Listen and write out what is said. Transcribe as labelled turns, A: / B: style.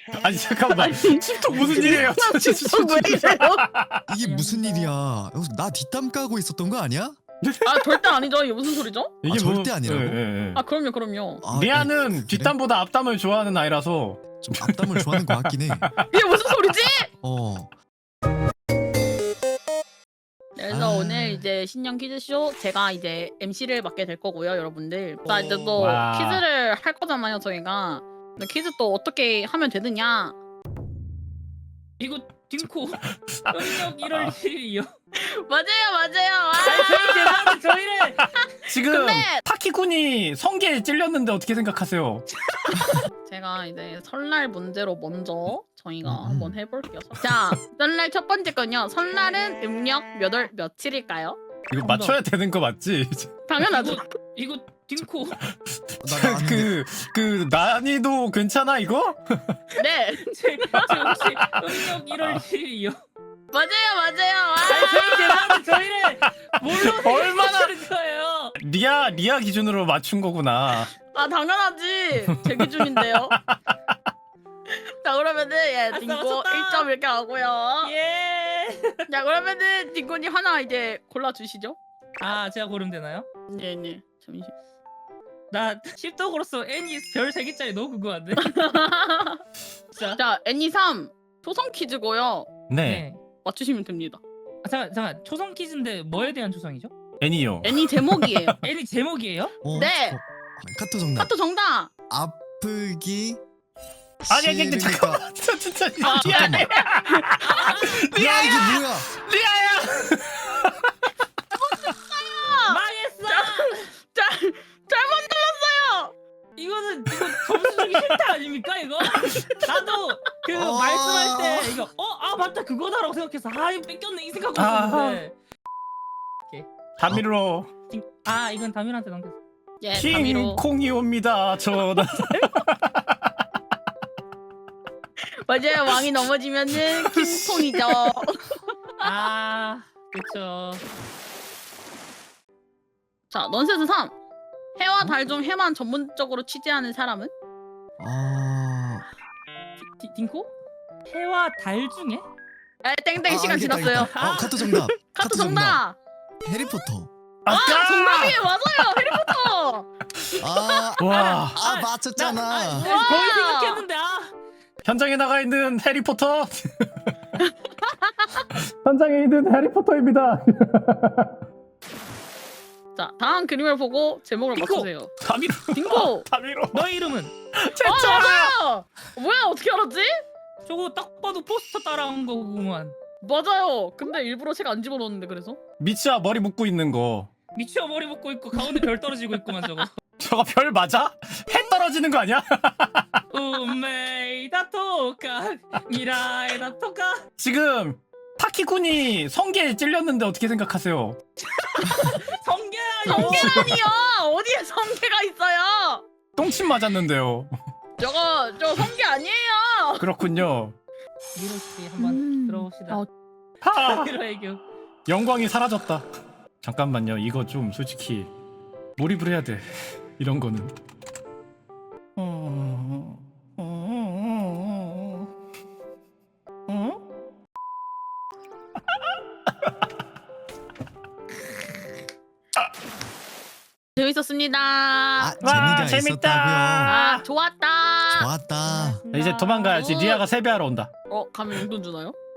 A: 아니 잠깐만. 칩통 무슨 일이에요?
B: 왜 이래요?
C: 이게 무슨 일이야? 여기서 나 뒷담 까고 있었던 거 아니야?
B: 아 절대 아니죠. 이게 무슨 소리죠?
A: 이게
C: 절대 아니라고?
B: 아 그럼요.
C: 아,
A: 리아는
C: 그래?
A: 뒷담보다 앞담을 좋아하는 아이라서.
C: 좀 앞담을 좋아하는 것 같긴 해.
B: 이게 무슨 소리지?
C: 어.
B: 그래서
C: 아.
B: 오늘 이제 신년 퀴즈쇼 제가 이제 MC를 맡게 될 거고요, 여러분들. 자 이제 또
A: 와.
B: 퀴즈를 할 거잖아요, 저희가. 근데 퀴즈 또 어떻게 하면 되느냐?
D: 이거 딩코 음력 1월 1일이요.
B: 맞아요.
D: 저희 죄송한데 저희를
A: 지금
B: 근데-
A: 타키군이 성게에 찔렸는데 어떻게 생각하세요?
B: 제가 이제 설날 문제로 먼저 저희가 한번 해볼게요.
C: 음.
B: 자, 설날 첫 번째 건요. 설날은 음력 몇 월 며칠일까요?
A: 이거 맞춰야 되는 거 맞지?
B: 당연하죠.
D: 이거 딩코
C: 나 아는데.
A: 그 난이도 괜찮아 이거?
B: 네,
D: 제 혹시 음력 1월 1일이요.
B: 맞아요.
D: 저희 죄송한데 저희를 뭘로
A: 얼마나-
D: 생각하시는 거예요?
A: 리아 기준으로 맞춘 거구나.
B: 아 당연하지. 제 기준인데요. 자 그러면은 예, 딩고
D: 맞췄다.
B: 1점 이렇게 하고요.
D: 예.
B: 자 그러면은 딩고님 하나 이제 골라 주시죠.
D: 아 제가 고르면 되나요?
B: 네. 잠시.
D: 나 십덕으로서 N이 별 3개짜리 너무 궁금한데. 진짜.
B: 자 애니 3 초성 퀴즈고요.
A: 네.
B: 맞추시면 됩니다.
D: 아, 잠깐 초성 퀴즈인데 뭐에 대한 초성이죠?
A: 애니요.
B: 애니 제목이에요.
D: N이 제목이에요?
C: 어,
B: 네.
C: 카토 정답.
B: 카토 정답.
C: 아프기.
A: 아니 잠깐만. 저 진짜
C: 잠깐만. 야 이게 뭐야?
A: 리아야.
D: 망했어.
B: 자 잘못 눌렀어요.
D: 이거 점수 주기 싫다 아닙니까 이거? 나도 그
C: 어.
D: 말씀할 때 이거 아 맞다 그거다라고 생각해서 이거 뺏겼네 이 생각하고
A: 아.
D: 있었는데
A: 다미로
D: 이건 다민한테 넘겼어.
B: 예, 다미로.
A: 킹콩이 옵니다. 저는
B: 맞아요. 왕이 넘어지면은 킹통이죠.
D: 그쵸.
B: 자 넌센스 3. 해와 달 중 해만 전문적으로 취재하는 사람은?
C: 아.
D: 딩코? 해와 달 중에?
B: 에 땡땡 시간
C: 알겠다,
B: 지났어요.
C: 알겠다. 카토 정답.
B: 카토 정답.
C: 해리포터.
A: 아까
B: 정답이에요. 맞아요. 해리포터.
A: 와
C: 맞췄잖아.
D: 거의 생각했는데
A: 현장에 나가 있는 해리포터. 현장에 있는 해리포터입니다.
B: 자 다음 그림을 보고 제목을
D: 딩코.
B: 맞추세요.
A: 다미로.
B: 딩고.
A: 다미로.
D: 너의 이름은?
A: 진짜.
B: 맞아요. 뭐야 어떻게 알았지?
D: 저거 딱 봐도 포스터 따라한 거구만.
B: 맞아요. 근데 일부러 책 안 집어넣었는데 그래서?
A: 미치야 머리 묶고 있는 거.
D: 미치어 머리 묶고 있고 가운데 별 떨어지고 있구만 저거.
A: 저거 별 맞아? 해 떨어지는 거 아니야?
D: 운메이다 토카 미라에다 토카.
A: 지금 타키군이 성게에 찔렸는데 어떻게 생각하세요?
D: 성게라뇨.
B: 성게라니요. 어디에 성게가 있어요?
A: 똥침 맞았는데요.
B: 저 성게 아니에요.
A: 그렇군요.
D: 미로 씨 한번 들어봅시다.
A: 하!
D: 미로 애교.
A: 영광이 사라졌다. 잠깐만요. 이거 좀 솔직히 몰입을 해야 돼. 이런 거는.
B: 재밌었습니다.
C: 아,
A: 와,
C: 재미가
A: 재밌다.
C: 있었다고요.
B: 아 좋았다.
C: 좋았다.
A: 이제 도망가야지. 리아가 세배하러 온다.
B: 가면 용돈 주나요?